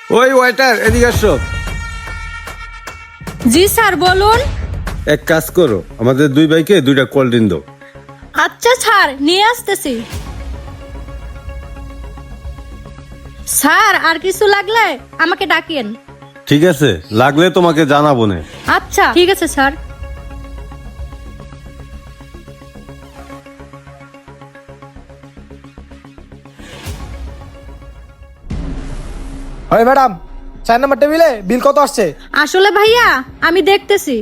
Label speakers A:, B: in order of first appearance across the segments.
A: ওই ওয়েটার, এদিকে আসো।
B: জি স্যার, বলুন।
A: এক কাজ করো, আমাদের দুই ভাইকে দুইটা কোল্ড ড্রিঙ্ক দাও।
B: আচ্ছা স্যার, নিয়ে আসতেছি। স্যার, আর কিছু লাগলে আমাকে ডাকিয়েন।
A: ঠিক আছে, লাগলে তোমাকে জানাবো না।
B: আচ্ছা ঠিক আছে স্যার।
C: হয় ম্যাডাম, 4 নম্বর টেবিলে বিল কত আসছে?
B: আসলে ভাইয়া আমি দেখতেছি।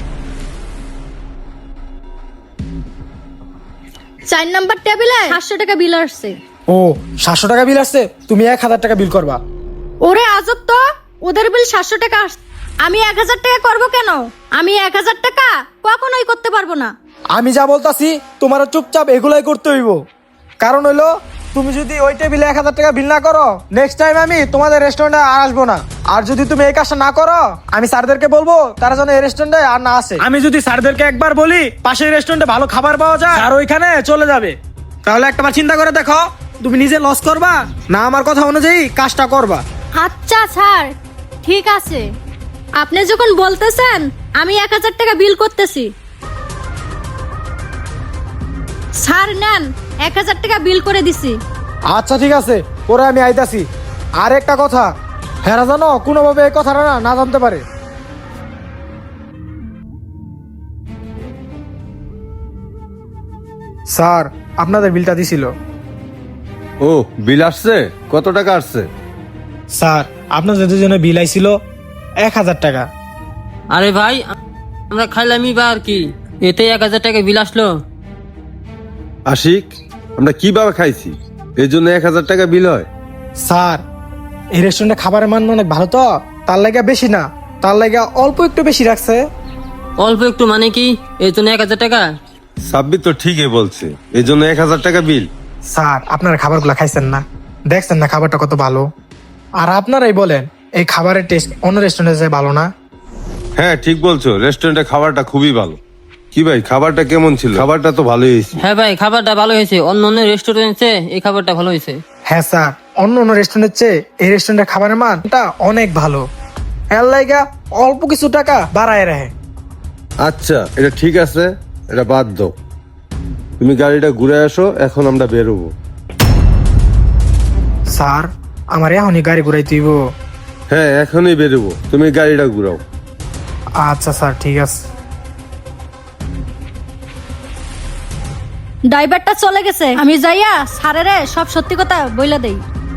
B: 4 নাম্বার টেবিলে 700 টাকা বিল আসছে।
C: ও, 700 টাকা বিল আসছে। তুমি 1000 টাকা বিল করবা।
B: ওরে আজব তো, ওদের বিল 700 টাকা আসছে, আমি 1000 টাকা করব কেন? আমি 1000 টাকা কখনোই করতে পারবো না।
C: আমি যা বলতাছি তোমার চুপচাপ এগুলাই করতে হইব। কারণ হইলো, তুমি যদি ওই টেবিলে 1000 টাকা বিল না করো, নেক্সট টাইম আমি তোমাদের রেস্টুরেন্টে আর আসবো না। আর যদি তুমি এই কাজটা না করো, আমি স্যারদেরকে বলবো তারা যেন এই রেস্টুরেন্টে আর না আসে। আমি যদি স্যারদেরকে একবার বলি পাশের রেস্টুরেন্টে ভালো খাবার পাওয়া যায় আর ওইখানে চলে যাবে, তাহলে একবার চিন্তা করে দেখো, তুমি নিজে লস করবা না আমার কথা অনুযায়ী কাজটা করবা।
B: আচ্ছা স্যার, ঠিক আছে, আপনি যখন বলতেছেন আমি 1000 টাকা বিল করতেছি। স্যার নেন, 1000 টাকা বিল করে দিছি।
C: আচ্ছা ঠিক আছে, পরে আমি আইতাছি। আর একটা কথা, হেরা জানো কোনোভাবে এই কথাটা না জানতে পারে। স্যার, আপনাদের বিলটা দিছিল।
A: ও, বিল আসছে? কত টাকা আসছে?
C: স্যার, আপনাদের দুজনে বিল আইছিল 1000 টাকা।
D: আরে ভাই, আমরা খাইলামই বা আর কি, এতে 1000 টাকা বিল আসলো।
A: আশিক, আমরা কিভাবে খাইছি এই জন্য 1000 টাকা বিল হয়?
C: স্যার, এই রেস্টুরেন্টে খাবারের মান অনেক ভালো, তো তার লাগা বেশি না, তার লাগা অল্প একটু বেশি রাখছে।
D: অল্প একটু মানে কি, এই জন্য 1000 টাকা?
A: সাব্বির তো ঠিকই বলছে, এই জন্য 1000 টাকা বিল।
C: স্যার, আপনারা খাবারগুলো খাইছেন না, দেখছেন না খাবারটা কত ভালো। আর আপনারাই বলেন এই খাবারের টেস্ট অন্য রেস্টুরেন্টে যায় ভালো না?
A: হ্যাঁ ঠিক বলছো, রেস্টুরেন্টে খাবারটা খুবই ভালো। কি ভাই, খাবারটা কেমন ছিল? খাবারটা তো ভালোই হয়েছে।
D: হ্যাঁ ভাই, খাবারটা ভালো হয়েছে, অন্য অন্য রেস্টুরেন্টে এই খাবারটা ভালো হয়েছে।
C: হ্যাঁ স্যার, অন্য অন্য রেস্টুরেন্টের চেয়ে এই রেস্টুরেন্টের খাবারের মানটা অনেক ভালো। এর লাইগা অল্প কিছু টাকা বাড়ায় রাখে।
A: আচ্ছা, এটা ঠিক আছে, এটা বাদ দাও। তুমি গাড়িটা ঘুরে আসো, এখন আমরা বেরোবো।
C: স্যার, আমার এখনই গাড়ি ঘুরাই দিব?
A: হ্যাঁ, এখনই বেরোবো, তুমি গাড়িটা ঘুরাও।
C: আচ্ছা স্যার, ঠিক আছে।
B: ড্রাইভারটা চলে গেছে, আমি যাইয়া স্যারেরে সব সত্যি কথা বইলা দেই।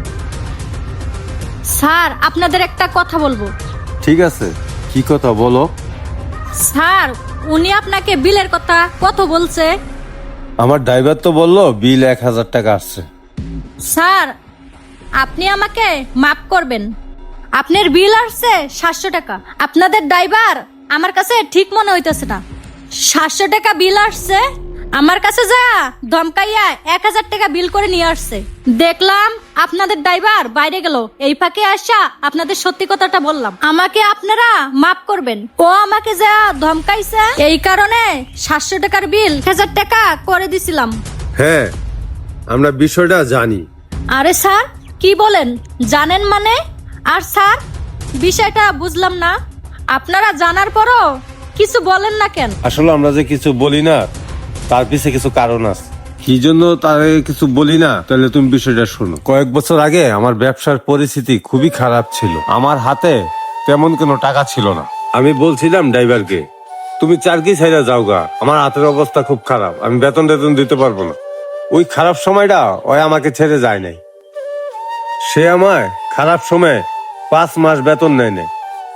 B: স্যার, আপনাদের একটা কথা বলবো।
A: ঠিক আছে, কি কথা বলো?
B: স্যার, উনি আপনাকে বিলের কথা কত বলছে?
A: আমার ড্রাইভার তো বললো বিল 1000 টাকা আসছে।
B: স্যার, আপনি আমাকে মাফ করবেন, আপনার বিল আসছে 700 টাকা। আপনাদের ড্রাইভার আমার কাছে ঠিক মনে হইতেছে না। 700 টাকা বিল আসছে, আমার কাছে যা ধমকাইয়া 1000 টাকা বিল করে নিয়ে আসছে। দেখলাম আপনাদের ড্রাইভার বাইরে গেল, এই ফাঁকে আসা আপনাদের সত্যি কথাটা বললাম। আমাকে আপনারা মাফ করবেন, ও আমাকে যা ধমকাইছে এই কারণে 700 টাকার বিল 1000 টাকা করে দিছিলাম।
A: হ্যাঁ, আমরা বিষয়টা জানি।
B: আরে স্যার, কি বলেন জানেন মানে? আর স্যার, বিষয়টা বুঝলাম না, আপনারা জানার পরও কিছু বলেন না কেন?
A: আসলে আমরা যে কিছু বলি না, তার পিছে কিছু কারণ আছে। কি জন্য তারে কিছু বলি না, তাহলে তুমি বিষয়টা শোনো। কয়েক বছর আগে আমার ব্যবসার পরিস্থিতি খুবই খারাপ ছিল, আমার হাতে তেমন কোনো টাকা ছিল না। আমি বলছিলাম ড্রাইভারকে, তুমি চারকি ছাইরা যাও গা, আমার হাতের অবস্থা খুব খারাপ, আমি বেতন টেতন দিতে পারবো না। ওই খারাপ সময়টা ওই আমাকে ছেড়ে যায় নাই। সে আমায় খারাপ সময় 5 মাস বেতন নেয় নাই,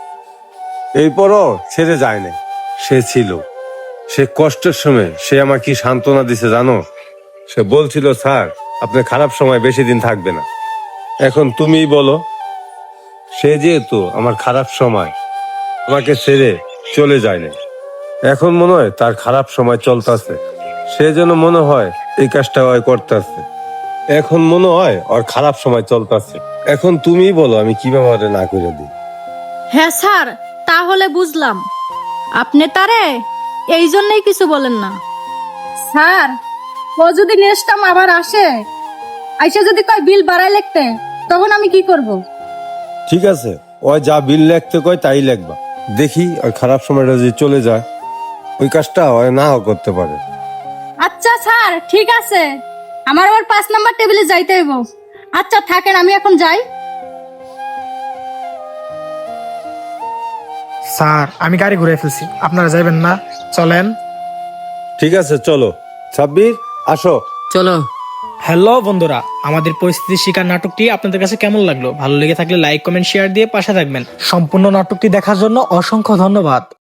A: এরপরও ছেড়ে যায় নাই। সে ছিল, সে কষ্টের সময় সে আমার কি সান্ত্বনা দিছে জানো? সে বলছিল, স্যার আপনার খারাপ সময় বেশি দিন থাকবে না। এখন তুমিই বলো, সে যেহেতু আমার খারাপ সময় আমাকে ছেড়ে চলে যায় না, এখন মনে হয় তার খারাপ সময় চলতেছে, সে যেন মনে হয় এই কাজটা ওই করতেছে। এখন মনে হয় ওর খারাপ সময় চলতেছে। এখন তুমিই বলো আমি কিভাবে ওরে না করে দিই।
B: হ্যাঁ স্যার, তাহলে বুঝলাম, আপনি তারে এই জন্যই কিছু বলেন না। স্যার, ও যদি নেক্সট টাইম আবার আসে, আইসা যদি কয় বিল বাড়াই লিখতে, তখন আমি কি করব?
A: ঠিক আছে, ওই যা বিল লিখতে কয় তাই লিখবা। দেখি ওই খারাপ সময়টা যদি চলে যায়, ওই কাজটা ওই নাও করতে পারে।
B: আচ্ছা স্যার, ঠিক আছে, আমার আবার 5 নাম্বার টেবিলে যাইতে হইব। আচ্ছা থাকেন, আমি এখন যাই।
C: স্যার আমি গাড়ি ঘুরে ফেলছি, আপনারা যাবেন না? চলেন।
A: ঠিক আছে, চলো। সাব্বির, আসো।
D: চলো।
C: হ্যালো বন্ধুরা, আমাদের পরিস্থিতি শিকার নাটকটি আপনাদের কাছে কেমন লাগলো? ভালো লেগে থাকলে লাইক কমেন্ট শেয়ার দিয়ে পাশে থাকবেন। সম্পূর্ণ নাটকটি দেখার জন্য অসংখ্য ধন্যবাদ।